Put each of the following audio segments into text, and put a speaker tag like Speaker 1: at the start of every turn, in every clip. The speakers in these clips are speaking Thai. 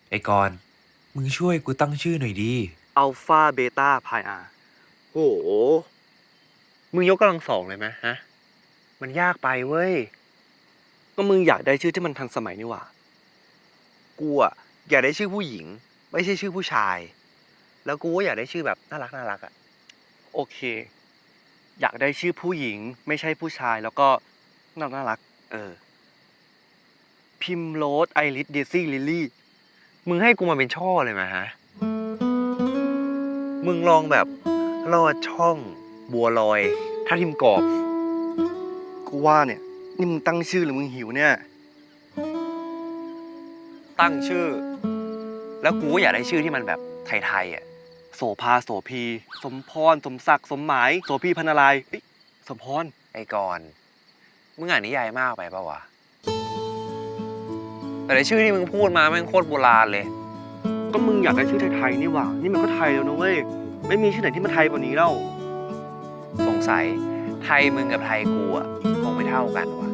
Speaker 1: ไอ้กรณ์มึงช่วยกูตั้งชื่อหน่อยดี
Speaker 2: อัลฟาเบต้าพายอาโหมึงยกกำลังสองเลยไหมฮะ มันยากไปเว้ย ก็มึงอยากได้ชื่อที่มันทันสมัยนี่หว่า กูอะอยากได้ชื่อผู้หญิง ไม่ใช่ชื่อผู้ชาย แล้วกูก็อยากได้ชื่อแบบน่ารักน่ารักอะโอเค อยากได้ชื่อผู้หญิง ไม่ใช่ผู้ชาย แล้วก็น่ารัก พิมโรสไอริสเดซี่ลิลลี่ มึงให้กูมาเป็นช่อเลยไหมฮะ มึงลองแบบลอดช่องบัวลอยถ้าทิมกรอบกูว่าเนี่ยนี่มึงตั้งชื่อหรือมึงหิวเนี่ยตั้งชื่อ แล้วกูก็อยากได้ชื่อที่มันแบบไทยๆอ่ะโสภาโสพีสมพรสมศักดิ์สมหมายโสพีพรรณนารายณ์สมพร
Speaker 1: ไอ้กรณ์มึงอ่านนิยายมากไปปะวะแต่ในชื่อที่มึงพูดมาแม่งโคตรโบราณเลย
Speaker 2: ก็มึงอยากได้ชื่อไทยๆนี่หว่านี่มันก็ไทยแล้วนะเว้ยไม่มีชื่อไหนที่มันไทยกว่านี้แล้ว
Speaker 1: สงสัยไทยมึงกับไทยกูอ่ะคงไม่เท่ากันวะ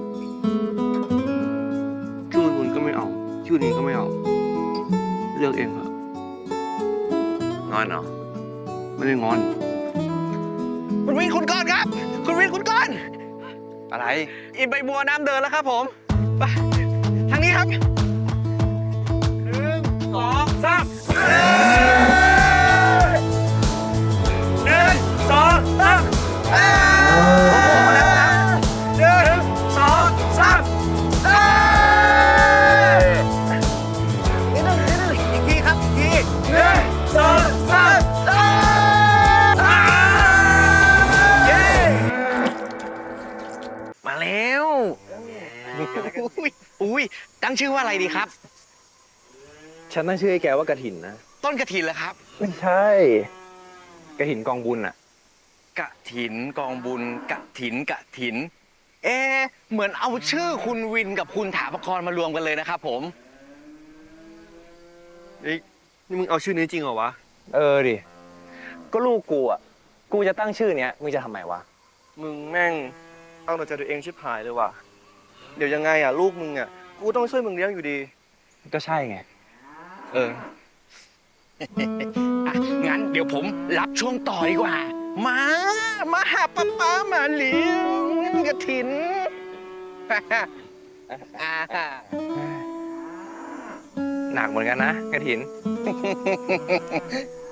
Speaker 2: ชื่อมึงก็ไม่เอาชื่อนี้ก็ไม่เอาเลือกเองเถอะ
Speaker 1: งอนเนาะ
Speaker 2: ไม่ได้งอน
Speaker 3: คุณวินคุณก้อนครับ คุณวินคุณก้อน
Speaker 1: อะไร
Speaker 3: อินใบบัวน้ำเดินแล้วครับผมไปทางนี้ครับ1 2 3 อีกทีครับอีกทีมาแล้วอุ้ยตั้งชื่อว่าอะไรดีครับ
Speaker 4: ฉันตั้งชื่อให้แกว่ากระถินนะ
Speaker 3: ต้นกระถินเหรอครับ
Speaker 4: ไม่ใช่กระถินกองบุญอะ
Speaker 3: กะถินกองบุญกะถินกะถิน เหมือนเอาชื่อคุณวินกับคุณถาปกรณ์มารวมกันเลยนะครับผม
Speaker 2: นี่มึงเอาชื่อนี้จริงเหรอวะ
Speaker 4: เออดิ ก็ลูกกูอะกูจะตั้งชื่อเนี้ยมึงจะทำไมวะ
Speaker 2: มึงแม่งเอาแต่ใจตัวเองชิบหายเลยว่ะเดี๋ยวยังไงอ่ะลูกมึงอ่ะกูต้องช่วยมึงเลี้ยงอยู่ดี
Speaker 4: ก็ใช่ไง
Speaker 2: เออ
Speaker 3: อ่ะ งั้นเดี๋ยวผมรับช่วงต่อดีกว่า มาหาป้ามาเลี้ยงกระถิน
Speaker 4: หนักเหมือนกันนะกระถิน